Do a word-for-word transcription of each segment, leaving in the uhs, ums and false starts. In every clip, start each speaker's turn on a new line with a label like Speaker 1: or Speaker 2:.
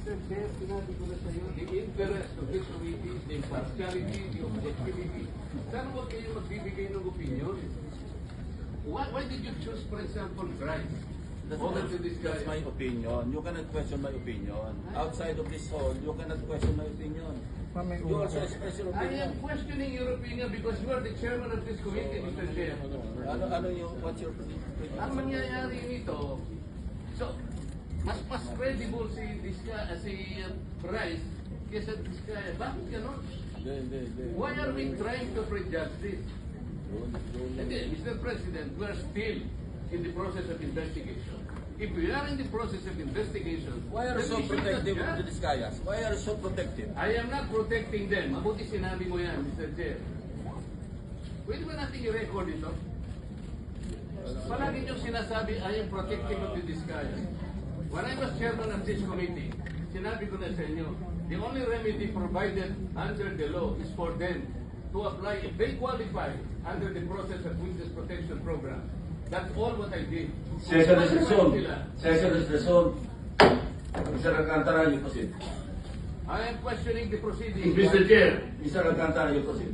Speaker 1: Mister Chair, sinabi ko na sa'yo, the interest of this committee, the impartiality, the objectivity. Sana huwag kayo magbibigay ng opinion. Why, why did you choose, for example, Grimes?
Speaker 2: That's,
Speaker 1: Over to this guy.
Speaker 2: that's my opinion. You cannot question my opinion. Outside of this hall, you cannot question my opinion. You also express your
Speaker 1: I
Speaker 2: opinion.
Speaker 1: am questioning your opinion because you are the chairman of this committee, Mister Chair.
Speaker 2: Ano, ano yung, what's your opinion?
Speaker 1: Ang mangyayari nito, so, mas mas credible si Diska, uh, si uh, Bryce kesa Diskaya. Bakit ganon?
Speaker 2: Hindi, hindi, hindi.
Speaker 1: Why are we trying to prejudge this?
Speaker 2: Yun, yun.
Speaker 1: Hindi, Mister President, we are still in the process of investigation. If we are in the process of investigation,
Speaker 2: Why are you
Speaker 1: then
Speaker 2: so
Speaker 1: we should not
Speaker 2: protective of
Speaker 1: judge.
Speaker 2: the Discayas? Why are you so protective?
Speaker 1: I am not protecting them. Mabuti sinabi mo yan, Mister Chair. Pwede ba natin i-record ito? Palagi niyong sinasabi, I am protective of the Discayas. When I was chairman of this committee, sinabi ko na sa inyo, the only remedy provided under the law is for them to apply if they qualify under the process of witness protection program. That's all what I did.
Speaker 2: Session is
Speaker 1: Kung
Speaker 2: resumed.
Speaker 1: sila,
Speaker 2: Session is resumed. Mister Alcantara, you proceed.
Speaker 1: I am questioning the proceedings.
Speaker 2: Mister Chair. Mister Alcantara, you proceed.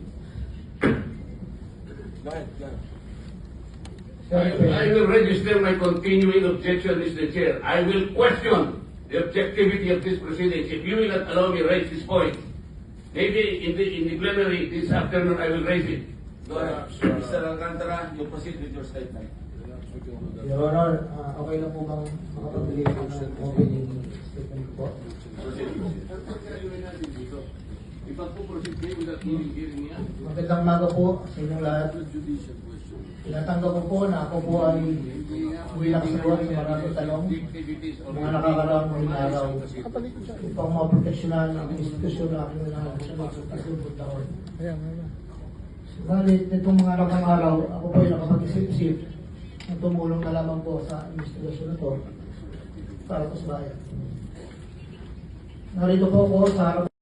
Speaker 2: Go ahead, go ahead.
Speaker 1: I, I will register my continuing objection, Mister Chair. I will question the objectivity of this proceedings. If you will not allow me to raise this point, maybe in the, in the plenary this afternoon I will raise it.
Speaker 2: Go ahead. Mister Alcantara, you proceed with your statement.
Speaker 3: Your Honor, uh, okay na po bang makapagbigay po ng opening statement po?
Speaker 2: Proceed, proceed.
Speaker 1: Ipag po proceed kayo without hearing hearing niya.
Speaker 3: Magandang maga po sa inyong lahat. Tinatanggap ko po na ako po ay bilang sagot sa maraming tanong mga nakakaraang mga araw upang maproteksyonan ang institusyon na aking nanasunod sa kasunod taon. Subalit, nitong mga nakang araw, ako po ay nakapag-isip-isip na tumulong na lamang po sa investigasyon na to para po sa bayan. Narito po ako sa harap